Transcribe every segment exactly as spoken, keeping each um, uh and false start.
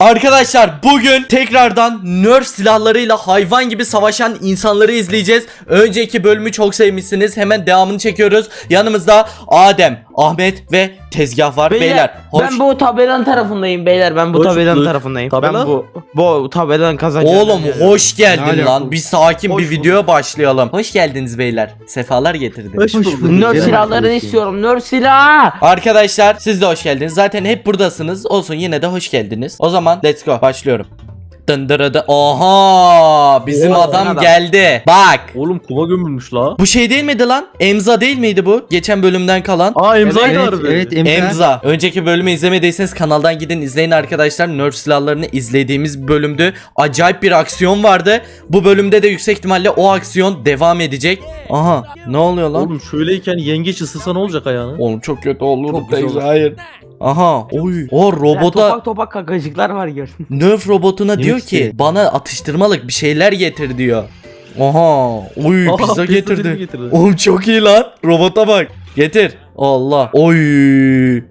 Arkadaşlar bugün tekrardan Nerf silahlarıyla hayvan gibi savaşan insanları izleyeceğiz. Önceki bölümü çok sevmişsiniz. Hemen devamını çekiyoruz. Yanımızda Adem, Ahmet ve Tezgah var. Beyler, Beyler hoş. ben bu tabelanın tarafındayım beyler. Ben bu Hoş tabelanın bulduk. tarafındayım. Tabela? Ben bu bu tabelanın kazanacağım. Oğlum hoş geldin Ne lan. alaka? Bir sakin Hoş bir videoya başlayalım. Hoş geldiniz beyler. Sefalar getirdiniz. Hoş bulduk. Nerf Gel silahlarını bakayım. istiyorum. Nerf silah. Arkadaşlar siz de hoş geldiniz. Zaten hep buradasınız. Olsun yine de hoş geldiniz. O zaman let's go. Başlıyorum. Dındırıdı. Oha! Bizim Oo, adam, adam. geldi. Bak. Oğlum kuma gömülmüş la. Bu şey değil miydi lan? Emza değil miydi bu? Geçen bölümden kalan. Aa imzaydı Evet, harbi. evet, em- Emza. Önceki bölümü izlemediyseniz kanaldan gidin izleyin arkadaşlar. Nerf silahlarını izlediğimiz bölümdü. Acayip bir aksiyon vardı. Bu bölümde de yüksek ihtimalle o aksiyon devam edecek. Aha. Ne oluyor lan? Oğlum şöyleyken yengeç ısırsa ne olacak ayağını? Oğlum çok kötü olur. Çok güzel olur. Hayır. Aha. Oy. O Beyler, robota topak topak kakacıklar var gör. Nerf robotuna diyor Neyse. ki bana atıştırmalık bir şeyler getir diyor. Aha. Oy Aha, pizza pizza getirdi. dilimi getirdi. Oğlum çok iyi lan. Robota bak. Getir. Allah. Oy.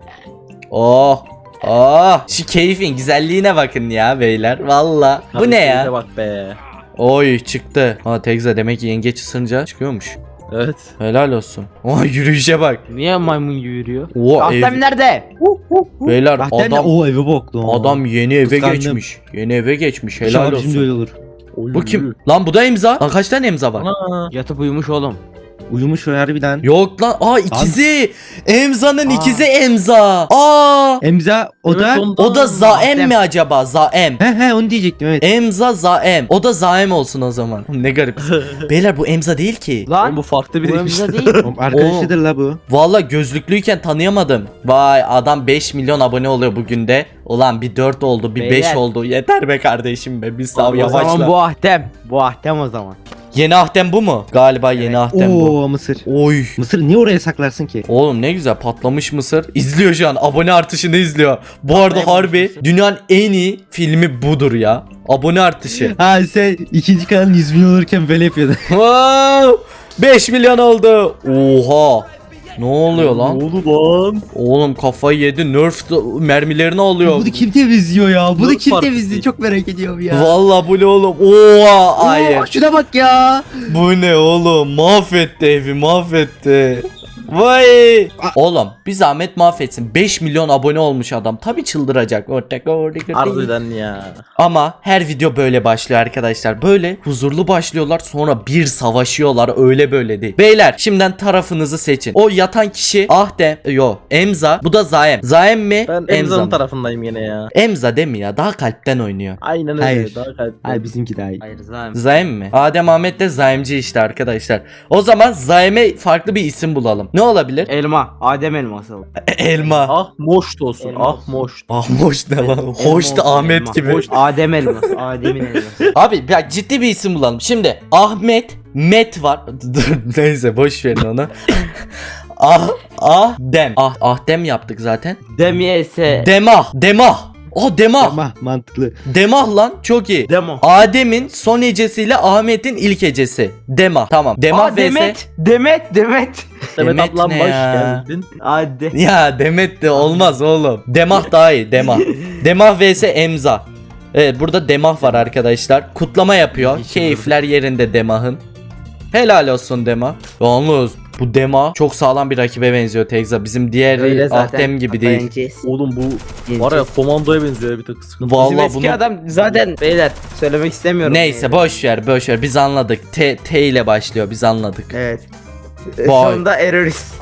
Oh. Oh. Şu keyfin güzelliğine bakın ya beyler. Valla. Bu Abi ne keyfe ya? Bak be. Oy çıktı. Ha Tekza demek ki yengeç ısınca çıkıyormuş. Evet. Helal olsun. Oha yürüyüşe bak. Niye maymun gibi yürüyor? O Ahtem ev. nerede? Beyler Bahten de adam o evi boklu. adam yeni eve Kıskandım. geçmiş. Yeni eve geçmiş. Helal İnşallah bizim de öyle olsun. olur. Oy, Bu kim? Lan bu da imza. Lan kaç tane imza var? Ana. Yatıp uyumuş oğlum. Uyumuş o harbiden. Yok lan. Aa ikizi. Emza'nın Aa. ikizi Emza. Aa. Emza o da. Evet, ondan. O da Zaem Ahtem. mi acaba? Zaem. He he onu diyecektim evet. Emza Zaem. O da Zaem olsun o zaman. Ne garip. Beyler bu Emza değil ki. Oğlum Lan bu farklı bu biriymiş. önümüzde değil. Oğlum, Arkadaşıdır la bu. Valla gözlüklüyken tanıyamadım. Vay adam beş milyon abone oluyor bugün de. Ulan bir dört oldu bir beş Beyler. oldu. Yeter be kardeşim be. Bir sav Abi, O zaman yavaşla. bu Ahtem. Bu Ahtem o zaman. Yeni Ahtem bu mu? Galiba yeni Ahtem bu. Oo Mısır. Oy. Mısır niye oraya saklarsın ki? Oğlum ne güzel patlamış mısır. İzliyor şu an. Abone artışını izliyor. Bu arada Patlamış harbi mısır. dünyanın en iyi filmi budur ya. Abone artışı. Ha sen ikinci kanalın yüz milyon olurken böyle yapıyordun. Wow! beş milyon oldu. Oha. Ne oluyor Ne lan? oldu lan? Oğlum kafayı yedi. Nerf de- mermilerini alıyor. Bunu kim temizliyor ya? Bunu Nasıl kim partisi? temizliyor? Çok merak ediyorum ya. Vallahi bu ne oğlum? Oha Oo, hayır. şuna bak ya. Bu ne oğlum? Mahvetti evi mahvetti. Vay. Oğlum bir zahmet mahvetsin. beş milyon abone olmuş adam. Tabi çıldıracak. Harbiden ya. Ama her video böyle başlıyor arkadaşlar. Böyle huzurlu başlıyorlar sonra bir savaşıyorlar öyle böyle değil. Beyler şimdiden tarafınızı seçin. O yatan kişi Ahtem yo Emza bu da Zaem. Zaem mi? Ben Emza Emza'nın mı? tarafındayım yine ya. Emza değil mi ya? Daha kalpten oynuyor. Aynen öyle. Hayır. Daha kalpli. Hayır bizimki daha iyi. Hayır zaten. Zaem mi? Adem Ahmet de Zaemci işte arkadaşlar. O zaman Zaem'e farklı bir isim bulalım. Ne olabilir? Elma. Adem elması. Elma. Ah moşt olsun. Elma Ah olsun. moşt. Ah hoş ne lan? Elma Hoş da olsun, Ahmet elma. gibi. Hoş- Adem elması. Adem'in elması. Abi ya ciddi bir isim bulalım. Şimdi Ahmet, Met var. Dur neyse boş verin onu. ah, ah, Dem. Ah, Ahdem yaptık zaten. Demiyese. Demah, Demah. Oh Demah. Ama mantıklı. Demah lan çok iyi. Demo. Adem'in son hecesiyle Ahmet'in ilk hecesi. Demah. Tamam. Demah Aa, vs. Demet. Demet. Demet. Demet Demet ablam ne hoş ya? geldin. Hadi. Ya Demet de olmaz oğlum. Demah daha iyi. Demah. Demah vs Emza. Evet burada Demah var arkadaşlar. Kutlama yapıyor. İyi, Keyifler yerinde Demah'ın. Helal olsun Demah. Yalnız bu Demah çok sağlam bir rakibe benziyor Tekza. Bizim diğer Öyle zaten. Ahtem gibi değil. Yeneceğiz. Oğlum bu Yeneceğiz. var ya komandoya benziyor bir tık sıkıntı. Bizim Vallahi eski bunu adam zaten beyler söylemek istemiyorum. neyse yani. boş ver boş ver biz anladık. T, T ile başlıyor biz anladık. Evet. Vay. Sonunda erörist.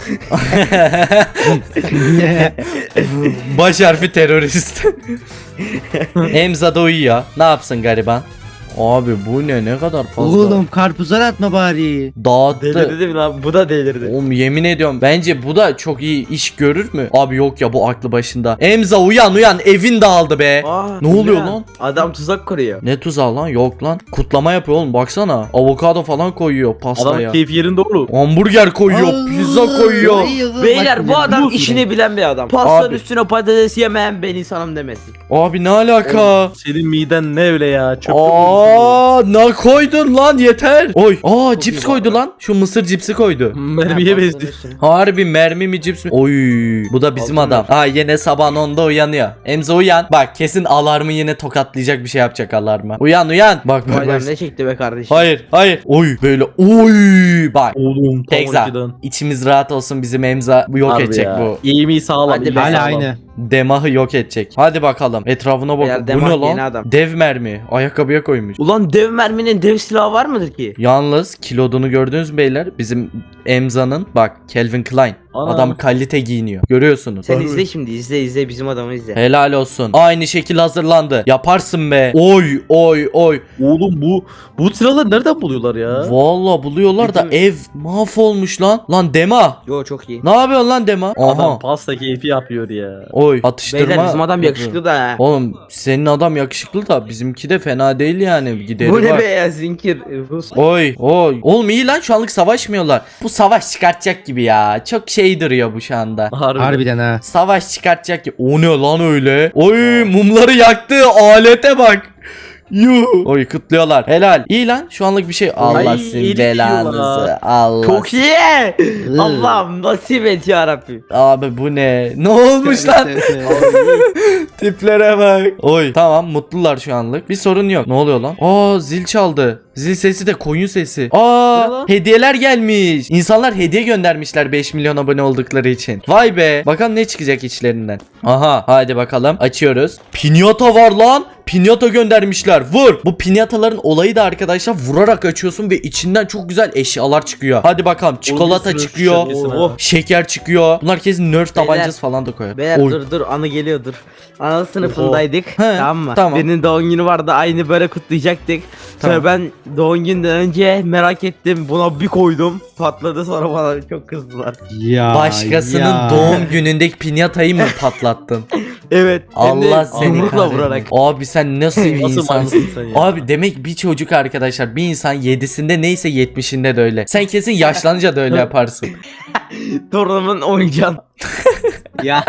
Baş harfi terörist. Emza da uyuyor. Ne yapsın gariban? Abi bu ne ne kadar fazla. Oğlum karpuzlar atma bari. Dağıttı. Delirdi mi lan? Bu da delirdi. Oğlum yemin ediyorum bence bu da çok iyi iş görür mü? Abi yok ya bu aklı başında. Emza uyan uyan evin dağıldı be. Aa, Ne oluyor ya? lan? Adam tuzak kuruyor. Ne tuzağı lan yok lan. Kutlama yapıyor oğlum baksana. Avokado falan koyuyor pastaya. Adam keyfi yerinde oğlum. Hamburger koyuyor, Allah, pizza koyuyor. ay, ay, Beyler bak, bu adam biliyorsun işini ya. bilen bir adam. Pastanın Abi. üstüne patates yemeyen ben insanım demesin. Abi ne alaka? Senin miden ne öyle ya? Çöp Aa Aa, ne koydun lan yeter. Oy. Aa, Çok cips iyi koydu bu lan. Şu mısır cipsi koydu. Mermiye benziyor. Harbi mermi mi cips mi? Oy. Bu da bizim Aldım adam. Aa, yine sabahın onda uyanıyor. Emza uyan. Bak kesin alarmı yine tokatlayacak bir şey yapacak alarma. Uyan uyan. Bak bak Bayram bak. ne çekti be kardeşim? Hayır hayır. Oy böyle oy. Bak. Oğlum tam Tekza. on ikiden. İçimiz rahat olsun, bizim Emza bu yok Harbi edecek ya. bu. İyi mi sağlam. Hadi iyi be. sağlam. Hala aynı. Demahı yok edecek. Hadi bakalım. Etrafına Beyler, bak. Bu Demah ne yeni lan? adam. Dev mermi. Ayakkabıya koymuş. Ulan dev merminin dev silahı var mıdır ki? Yalnız kilodunu gördünüz mü beyler? Bizim Emza'nın bak Calvin Klein. Ana. Adam kalite giyiniyor. Görüyorsunuz. Sen izle şimdi izle izle bizim adamı izle. Helal olsun. Aynı şekil hazırlandı. Yaparsın be. Oy oy oy. Oğlum bu bu silahları nereden buluyorlar ya? Valla buluyorlar da Bütün- ev mahvolmuş lan. Lan Dema. Yo çok iyi. Ne yapıyorsun lan Dema? Adam Aha. pasta keyfi yapıyor ya. Oy. Atıştırma. Beyler bizim adam yakışıklı da ha. Oğlum senin adam yakışıklı da bizimki de fena değil yani. Gideri Bu ne var. be ya zinkir. Rus. Oy oy. Oğlum iyi lan, şu anlık savaşmıyorlar. Bu savaş çıkartacak gibi ya. Çok şey duruyor bu şu anda. Harbi. Harbiden ha. Savaş çıkartacak gibi. O ne lan öyle? Oy mumları yaktı. Alete bak. Yuh. Oy kutluyorlar. Helal. İyi lan, şu anlık bir şey. Allah Ay, sizin iyilik belanızı. yiyorlar. Allah. Çok iyi. Allah'ım nasip et yarabbim. Abi bu ne? Ne olmuş lan? Tiplere bak. Oy tamam, mutlular şu anlık. Bir sorun yok. Ne oluyor lan? Aa, zil çaldı. Zil sesi de koyun sesi. Aa, Ne lan? hediyeler gelmiş. İnsanlar hediye göndermişler beş milyon abone oldukları için. Vay be. Bakalım ne çıkacak içlerinden. Aha, hadi bakalım. Açıyoruz. Pinyata var lan. Pinyata göndermişler. Vur. Bu pinyataların olayı da arkadaşlar vurarak açıyorsun ve içinden çok güzel eşyalar çıkıyor. Hadi bakalım. Çikolata sürü çıkıyor. şişesi Oh. Şeker çıkıyor. Bunlar kesin Nerf Beyler. tabancası falan da koyar. Beyler Oy. dur dur anı geliyor dur. Ana sınıfındaydık. Tamam mı? tamam. Birinin doğum günü vardı, aynı böyle kutlayacaktık. Sonra Tamam. ben doğum günden önce merak ettim, buna bir koydum. Patladı, sonra bana çok kızdılar. Ya. Başkasının ya. doğum günündeki pinyatayı mı patlattın? Evet. hem de Allah seni yumrukla kahretsin. vurarak. Abi sen nasıl bir Nasıl insansın? manyak sen ya? Abi demek bir çocuk arkadaşlar, bir insan yedisinde neyse yetmişinde de öyle. Sen kesin yaşlanınca da öyle yaparsın. Torunumun oyuncağını. Ya.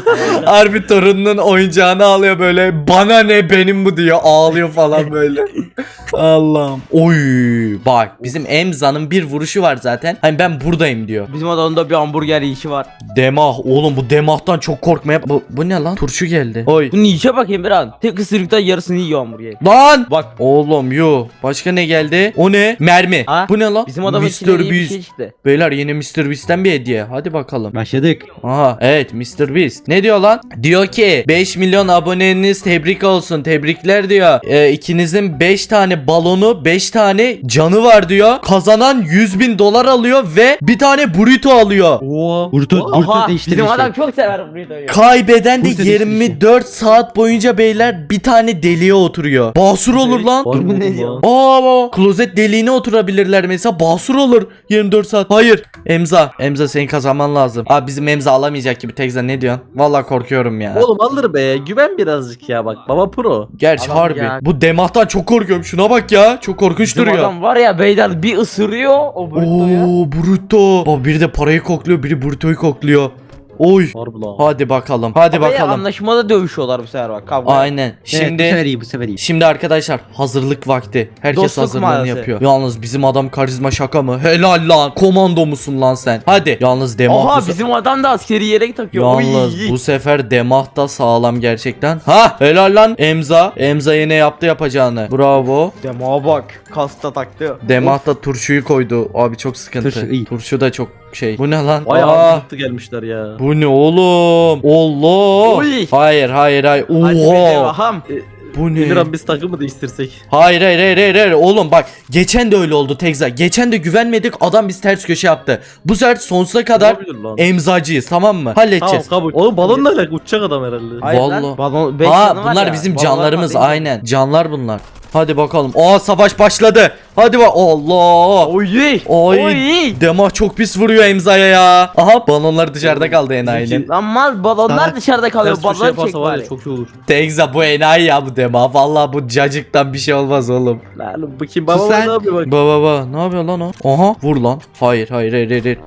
Harbi torununun oyuncağını alıyor böyle, bana ne benim bu diyor, ağlıyor falan böyle. Allah'ım. Oy bak, bizim Emza'nın bir vuruşu var zaten. Hani ben buradayım diyor. Bizim adamda bir hamburger yiyişi var. Demah oğlum, bu demahtan çok korkmaya. Bu, bu ne lan? Turşu geldi. Oy. Bunu yiyişe bakayım bir an. Tek ısırıkta yarısını yiyor hamburger. Lan! Bak. Oğlum yo. Başka ne geldi? O ne? Mermi. Ha? Bu ne lan? Bizim adamın içinde mister iyi bir Beast. şey çıktı. Beyler yine mister Beast'ten bir hediye. Hadi bakalım. Başladık. Aha evet, mister Beast. Ne diyor lan? Diyor ki beş milyon aboneniz tebrik olsun. Tebrikler diyor. Ee, ikinizin beş tane balonu, beş tane canı var diyor. Kazanan yüz bin dolar alıyor ve bir tane burrito alıyor. Oha. Burtu, Aha burtu değiştirmiş. bizim adam çok sever burrito'yu. Kaybeden de Burrito değiştirmiş. yirmi dört saat boyunca beyler bir tane deliğe oturuyor. Basur olur lan. Var mı Ne bu diyor? lan? Aa, klozet deliğine oturabilirler mesela, basur olur yirmi dört saat. Hayır Emza, Emza senin kazanman lazım. Abi bizim Emza alamayacak gibi. Tekza ne diyorsun? Vallahi korkuyorum ya. Oğlum alır be, güven birazcık ya, bak baba pro. Gerçi Adam harbi. ya. Bu demahtan çok korkuyorum. Şuna bak ya. Çok korkunç Bizim duruyor. adam var ya beyler, bir ısırıyor o burrito'yu. Oo, burrito. Bak biri de parayı kokluyor, biri burritoyu kokluyor. Oy. Harbi lan. Hadi bakalım. Hadi Ama ya, bakalım. anlaşmada dövüşüyorlar bu sefer bak. Kavga. Aynen. Şimdi... Evet, bu sefer Şimdi iyi bu sefer iyi. Şimdi arkadaşlar hazırlık vakti. Herkes Dostluk hazırlığını mağazası. yapıyor. Yalnız bizim adam karizma şaka mı? Helal lan. Komando musun lan sen? Hadi. Yalnız Demah Oha bu se- bizim adam da askeri yelek takıyor. Yalnız Oy. bu sefer Demah da sağlam gerçekten. Ha helal lan Emza. Emza yine yaptı yapacağını. Bravo. Demağa bak. Kasta taktı. Demah da turşuyu koydu. Abi çok sıkıntı. Turşu iyi. Turşu da çok şey. Bu ne lan? Bayağı Aa, hazırlıklı gelmişler ya. bu ne oğlum? Allah. Oy. Hayır hayır hayır. Hadi bir Oha. devaham. Bu ne? Emirhan biz takımı değiştirsek. Hayır hayır hayır hayır hayır. Oğlum bak, geçen de öyle oldu Tekza. Geçen de güvenmedik, adam biz ters köşe yaptı. Bu sefer sonsuza kadar Olabilir lan. emzacıyız, tamam mı? Tamam Halledeceğiz. kabul. Oğlum balonla alakalı uçacak adam herhalde. Hayır lan, Vallahi. balon, beş Ha canı var bunlar ya, bizim balonlar canlarımız, var, beş aynen. Canlar bunlar. Hadi bakalım. Aa savaş başladı. Hadi bak. Allah. Oy. Oy. Oy. Demah çok pis vuruyor Emza'ya ya. Aha balonlar dışarıda kaldı enayinin. Lan mal balonlar Sana- dışarıda kalıyor. Ters köşe Balon çek yaparsa var bari. ya çok iyi olur. Tekza bu enayi ya bu Demah. Vallahi bu cacıktan bir şey olmaz oğlum. Lan bakayım baba Sus lan. ne yapıyor bak. Baba baba ne yapıyor lan o? Aha vur lan. Hayır hayır hayır hayır. hayır. Vur.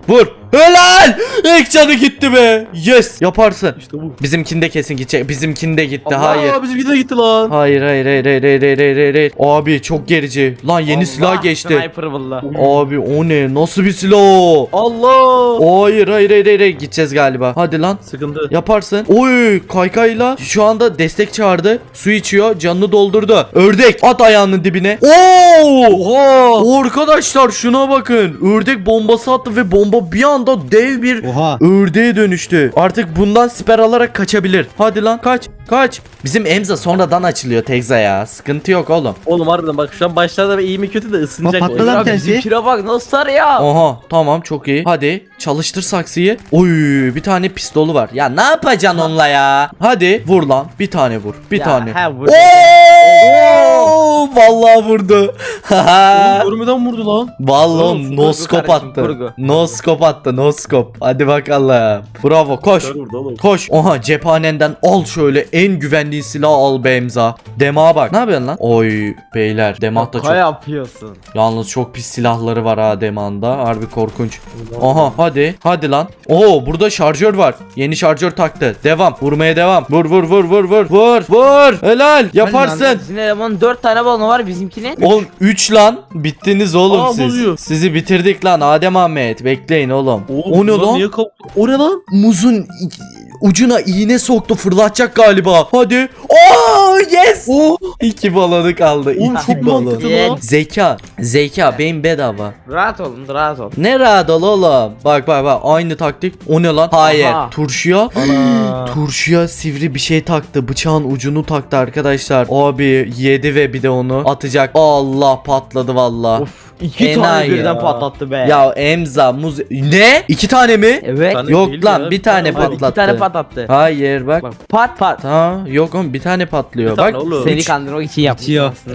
Helal. İlk canı gitti be. Yes. Yaparsın. İşte bu. Bizimkinde kesin gidecek. Bizimkinde gitti. Allah, Hayır. bizimki de gitti lan. Hayır hayır hayır hayır hayır hayır hayır hayır. Abi çok gerici. Lan yeni silah geçti. Sniper valla. Abi o ne? Nasıl bir silah o? Allah. Hayır hayır hayır hayır. Gideceğiz galiba. Hadi lan. Sıkıntı. Yaparsın. Oy kaykayla şu anda destek çağırdı. Su içiyor. Canını doldurdu. Ördek at ayağının dibine. Oo! Oha. Arkadaşlar şuna bakın. Ördek bombası attı ve bomba bir anda dev bir Oha. ördeğe dönüştü. Artık bundan siper alarak kaçabilir. Hadi lan kaç. Kaç. Bizim Emza sonradan açılıyor Tekza ya. Sıkıntı yok oğlum. Oğlum harbiden bak şu an başlarda ve iyi mi kötü de ısınacak. Bak, o. patladı. Ya tersi. bizimkine bak nasıl sarıyor. Aha tamam çok iyi. Hadi çalıştır saksıyı. Oy bir tane pistolu var. Ya ne yapacaksın onunla ya? Hadi vur lan. Bir tane vur. Bir Ya, tane. he, vur. Oo! Vallahi vurdu. Oğlum görmeden vurdu lan. Vallahi Oğlum, noskop kurgu kardeşim, attı. kurgu. Noskop attı, noskop. Hadi bakalım. Bravo, koş. Kör vurdu oğlum. Koş. Oha cephanenden al şöyle en güvendiğin silahı al be Emza. Demağa bak. Ne yapıyorsun lan? Oy beyler Demah da Şaka çok. yapıyorsun. Yalnız çok pis silahları var ha Demah'ında. Harbi korkunç. Aha hadi. Hadi lan. Oo burada şarjör var. Yeni şarjör taktı. Devam. Vurmaya devam. Vur vur vur vur vur. Vur. Vur. Helal. Yaparsın. Sizin elemanın dört tane balonu var bizimkine. Oğlum üç lan. Bittiniz oğlum Aa, siz. bozuyor. Sizi bitirdik lan Adem Ahmet. Bekleyin oğlum. Oğlum, o ne bunlar lan? Niye kap- o ne lan? Muzun i- ucuna iğne soktu, fırlatacak galiba. Hadi. Oo yes. Oo. İki balonu kaldı. Oğlum İki çok balon. mantıklı Yes. lan. Zeka. Zeka beyin bedava. Rahat olun rahat ol. Ne rahat ol oğlum. Bak bak bak aynı taktik. O ne lan? Hayır. Aha. Turşuya. Ana. Turşuya sivri bir şey taktı. Bıçağın ucunu taktı arkadaşlar. Abi yedi ve bir de onu atacak. Allah patladı valla. Of iki Enayi tane birden ya. patlattı be. Ya Emza muz... Ne? İki tane mi? Evet. Tane Yok değil lan ya, bir tane tane var. Hadi iki tane patlattı. patlattı. Hayır bak. Bak pat pat. Ha yok oğlum bir tane patlıyor. Bir tane Bak. oğlum. Seni Üç- kandırmak için yapmış. Bitiyor. aslında.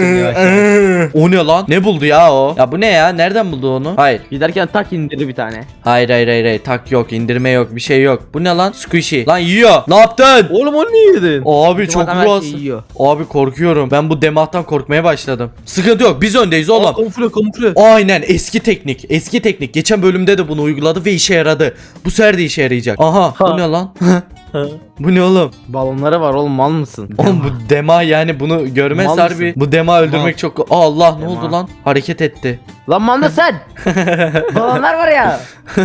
O ne lan? Ne buldu ya o? Ya bu ne ya? Nereden buldu onu? Hayır. Giderken tak indirdi bir tane. Hayır hayır hayır, hayır. Tak yok, indirme yok, bir şey yok. Bu ne lan? Squishy. Lan yiyor. Ne yaptın? Oğlum onu niye yedin? Abi Bizim çok adam her şeyi ruhsuz. yiyor. Abi korkuyorum. Ben bu demahtan korkmaya başladım. Sıkıntı yok. Biz öndeyiz Aa, oğlum. Kamufle kamufle. Aynen eski teknik. Eski teknik. Geçen bölümde de bunu uyguladı ve işe yaradı. Bu sefer de işe yarayacak. Aha. Bu Ha. ne lan? Ha. Bu ne oğlum? Balonları var oğlum mal mısın? Oğlum bu dema yani bunu görmez Mal harbi. mısın? Bu dema öldürmek Mal. çok... Allah ne Dema. oldu lan? Hareket etti. Lan mal mısın? Balonlar var ya.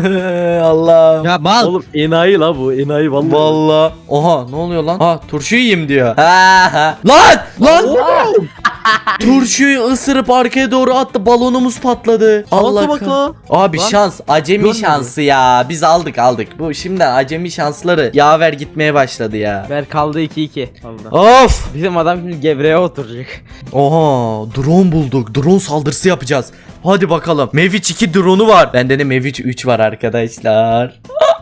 Allah. Ya mal. Oğlum enayi la bu enayi vallahi. Vallahi. Oha ne oluyor lan? Ha turşu yiyeyim diyor. Ha ha. Lan lan. Oğlum. Turşuyu ısırıp arkaya doğru attı. Balonumuz patladı. Allah Şansa bak kah- la. Abi Lan. şans, acemi Görmedi. şansı ya. Biz aldık aldık. Bu şimdiden acemi şansları yaver gitmeye başladı ya. Ver kaldı iki iki. Allah. Of. Bizim adam şimdi gevreğe oturacak. Oha drone bulduk. Drone saldırısı yapacağız. Hadi bakalım. Mavic iki drone'u var. Bende de Mavic üç var arkadaşlar.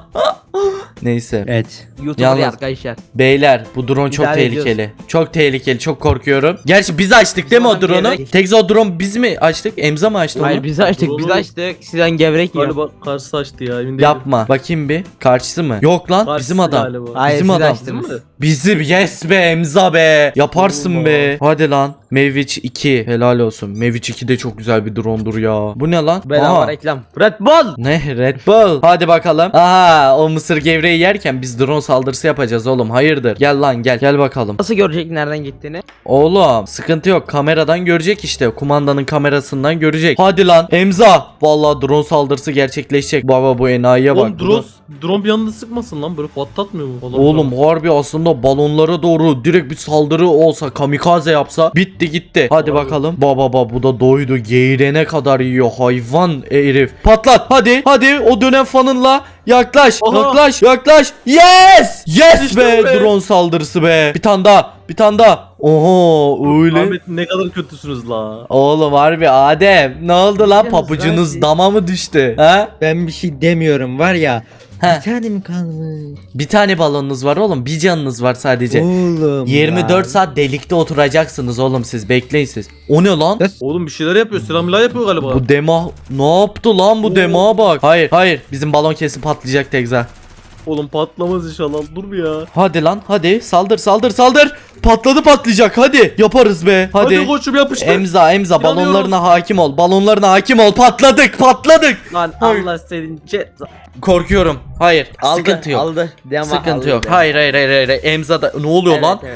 Neyse. Evet. YouTuber Yalnız- arkadaşlar. Beyler bu drone çok İdare tehlikeli. Çok tehlikeli. Çok korkuyorum. Gerçi biz açtık değil mi o adam drone'u? gevrek. Tekza o drone biz mi açtık? Emza mı açtı Hayır onu? biz açtık biz Oğlum. açtık. Sizden gevrek yiyor. Galiba karşısı açtı ya emin değilim. Yapma. Bakayım bir. Karşısı mı? Yok lan. Karşısı bizim adam. galiba. Hayır bizim siz adam. açtınız. Değil mi? Bizim yes be Emza be. Yaparsın Allah. be. Hadi lan. Mavic iki. Helal olsun. Mavic iki de çok güzel bir drone'dur ya. Bu ne lan? Bedava Aha. reklam. Red Bull. Ne? Red Bull. Hadi bakalım. Aha o mısır gevreği yerken biz drone saldırısı yapacağız oğlum. Hayırdır? Gel lan gel. Gel bakalım. Nasıl görecek nereden gittiğini? Oğlum sıkıntı yok. Kameradan görecek işte. Kumandanın kamerasından görecek. Hadi lan Emza. Vallahi drone saldırısı gerçekleşecek. Baba bu enayiye bak. Oğlum drone, drone bir anda sıkmasın lan böyle patlatmıyor mu? Falan Oğlum harbi aslında balonlara doğru direkt bir saldırı olsa, kamikaze yapsa bitti gitti. Hadi Harbi. bakalım. Baba baba bu da doydu. Geğirene kadar yiyor hayvan herif. Patlat hadi hadi o dönem fanınla yaklaş Aha. yaklaş yaklaş. Yes! Yes İşte be, be. drone saldırısı be. Bir tane daha bir tane daha. Oho öyle. Ahmet ne kadar kötüsünüz la. Oğlum harbi Adem ne oldu lan, Yalnız papucunuz ben- dama mı düştü? Ha? Ben bir şey demiyorum var ya. He. Bir tane mi kalmış? Bir tane balonunuz var oğlum, bir canınız var sadece. Oğlum. yirmi dört lan. saat delikte oturacaksınız oğlum siz, bekleyin siz. O ne lan? Ya, Oğlum bir şeyler yapıyor. Selamla yapıyor galiba. Bu dema ne yaptı lan bu dema bak. Hayır hayır bizim balon kesin patlayacak Tekza. Oğlum patlamaz inşallah. Dur bir ya. Hadi lan hadi saldır saldır saldır. Patladı patlayacak hadi. Yaparız be. Hadi. Hadi koçum yapıştır. Emza Emza İnanıyoruz. balonlarına hakim ol. Balonlarına hakim ol. Patladık patladık. Lan Allah senin ceza. Korkuyorum. Hayır. Aldı, sıkıntı yok. Aldı. Devam, Sıkıntı aldı, yok. devam. Hayır hayır hayır hayır. Emza'da ne oluyor Evet, lan? evet.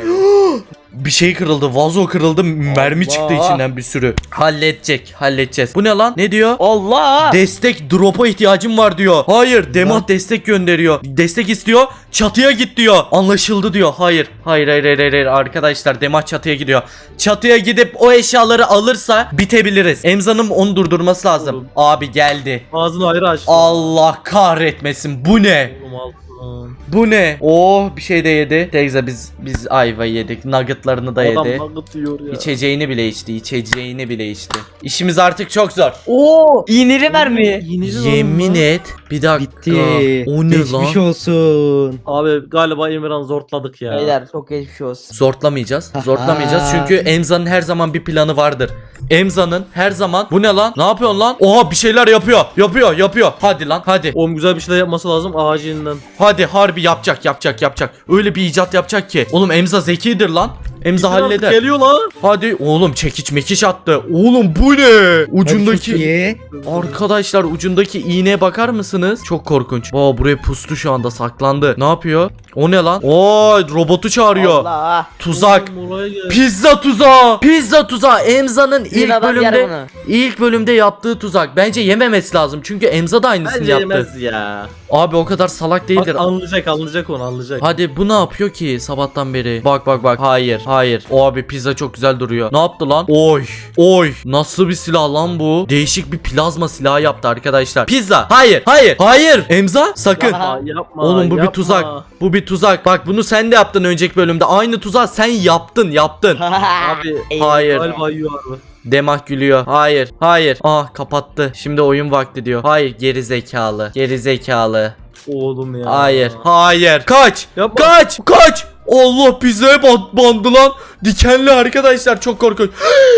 Bir şey kırıldı. Vazo kırıldı. Mermi Allah. çıktı içinden bir sürü. Halledecek. Halledeceğiz. Bu ne lan? Ne diyor? Allah. Destek drop'a ihtiyacım var diyor. Hayır, Demat destek gönderiyor. Destek istiyor. Çatıya git diyor. Anlaşıldı diyor. Hayır. Hayır hayır hayır, hayır. Arkadaşlar Demat çatıya gidiyor. Çatıya gidip o eşyaları alırsa bitebiliriz. Emza'nın onu durdurması lazım. Oğlum. Abi geldi. Ağzını ayrı aç. Allah kahretmesin. Bu ne? Oğlum altın. Bu ne? Oh bir şey de yedi. Teyze biz biz ayva yedik. Nuggetlarını da Adam yedi. nugget yiyor ya. İçeceğini bile içti. İçeceğini bile içti. İşimiz artık çok zor. Oo, iğneli mermi. Yenici lan Yemin bu. et. Bir dakika. Bitti. O ne Geçmiş lan? olsun. Abi galiba Emirhan zortladık ya. Beyler çok geçmiş olsun. Zortlamayacağız. Zortlamayacağız çünkü Emza'nın her zaman bir planı vardır. Emza'nın her zaman bu ne lan? Ne yapıyorsun lan? Oha bir şeyler yapıyor. Yapıyor, yapıyor. Hadi lan, hadi. Oğlum güzel bir şeyler yapması lazım acilen. Hadi harbi yapacak, yapacak, yapacak. Öyle bir icat yapacak ki. Oğlum Emza zekidir lan. Emza halleder. Geliyor lan. Hadi oğlum çekiç mekiş attı. Oğlum bu ne? Ucundaki Iyi. Arkadaşlar ucundaki iğneye bakar mısınız? Çok korkunç. Aa buraya pustu şu anda saklandı. Ne yapıyor? O ne lan? Oo robotu çağırıyor. Allah. Tuzak. Oğlum, oraya gel. Pizza tuzağı. Pizza tuzağı. Emza'nın Bir ilk adam yer bölümde bunu. ilk bölümde yaptığı tuzak. Bence yememesi lazım. Çünkü Emza da aynısını Bence yaptı. yemez ya. Abi o kadar salak Bak, değildir. anlayacak anlayacak onu anlayacak. Hadi bu ne yapıyor ki sabahtan beri? Bak bak bak. Hayır. Hayır. O abi pizza çok güzel duruyor. Ne yaptı lan? Oy. Oy. Nasıl bir silah lan bu? Değişik bir plazma silahı yaptı arkadaşlar. Pizza. Hayır. Hayır. Hayır. Emza sakın. Yapma, yapma, Oğlum bu bir yapma. tuzak. Bu bir tuzak. Bak bunu sen de yaptın önceki bölümde. Aynı tuzağı sen yaptın. Yaptın. Abi Hayır. galiba yiyor abi. Demah gülüyor. Hayır. Hayır. Ah kapattı. Şimdi oyun vakti diyor. Hayır. Geri zekalı. Geri zekalı. Oğlum ya. Hayır. Hayır. Kaç. Yapma. Kaç. Kaç. Allah pizzaya band bandı lan. Dikenli arkadaşlar çok korkunç.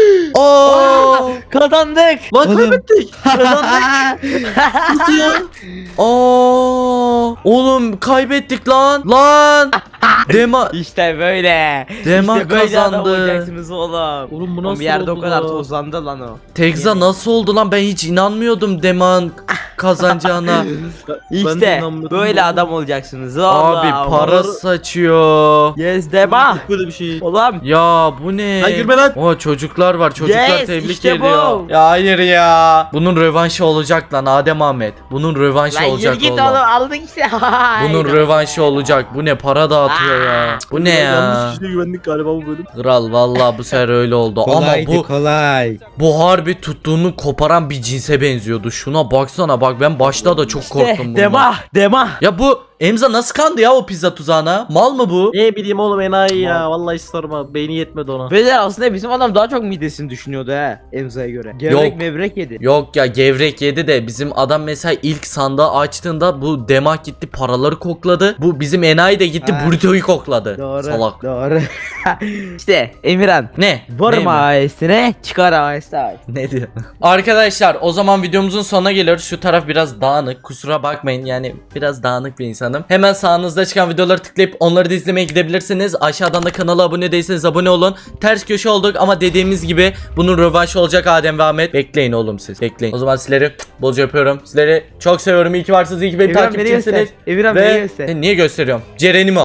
Aa! Kazandık. Lan Oğlum. kaybettik. Aa! Oğlum kaybettik lan. Lan. Dema İşte böyle. Dema işte böyle adam kazandı. olacaksınız oğlum. Oğlum bu Oğlum nasıl bir yerde oldu o kadar lan? tozlandı lan o. Tekza nasıl oldu lan? Ben hiç inanmıyordum Deman kazanacağına. Ben de İşte inanmıyordum böyle oğlum. adam olacaksınız oğlum. Abi para saçıyor. Yes dema. Yok böyle bir şey. Oğlum. Ya bu ne? Lan gülme lan. O çocuklar var. Çocuklar Yes, tebrik işte bu. ediyor. Ya hayır ya. Bunun rövanşı olacak lan Adem Ahmet. Bunun rövanşı Lan yürü olacak git oğlum. oğlum aldık işte. Bunun rövanşı olacak. Bu ne para dağıtıyor ya. Bu ne ya? Yanlış kişiye güvendik galiba bu bölüm. Kral vallahi bu sefer öyle oldu. Ama Kolaydı bu kolay. bu harbi tuttuğunu koparan bir cinse benziyordu. Şuna baksana bak ben başta da çok korktum bundan. Dema dema. Ya bu Emza nasıl kandı ya o pizza tuzağına? Mal mı bu? Ne bileyim oğlum enayi ya. Vallahi sorma. Beyni yetmedi ona. Beyler aslında bizim adam daha çok midesini düşünüyordu he Emza'ya göre. Gevrek Yok. mevrek yedi. Yok ya gevrek yedi de bizim adam mesela ilk sandığı açtığında bu Demak gitti paraları kokladı. Bu bizim enayi de gitti Ha. burrito'yu kokladı. Doğru. Salak. Doğru. işte Emirhan. Ne? Varım Ne mi? ailesine çıkar ailesine. Ne diyor? Arkadaşlar o zaman videomuzun sonuna geliyoruz. Şu taraf biraz dağınık. Kusura bakmayın yani biraz dağınık bir insanım. Hemen sağınızda çıkan videoları tıklayıp onları da izlemeye gidebilirsiniz. Aşağıdan da kanala abone değilseniz abone olun. Ters köşe olduk ama dediğimiz gibi bunun rövanşı olacak Adem ve Ahmet. Bekleyin oğlum siz. Bekleyin. O zaman sizleri bolca öpüyorum. Sizleri çok seviyorum. İyi ki varsınız. İyi ki benim Emirhan beni takipçimsiniz. göster. Emirhan beni Ve göster. E, niye gösteriyorum? Ceren'im o.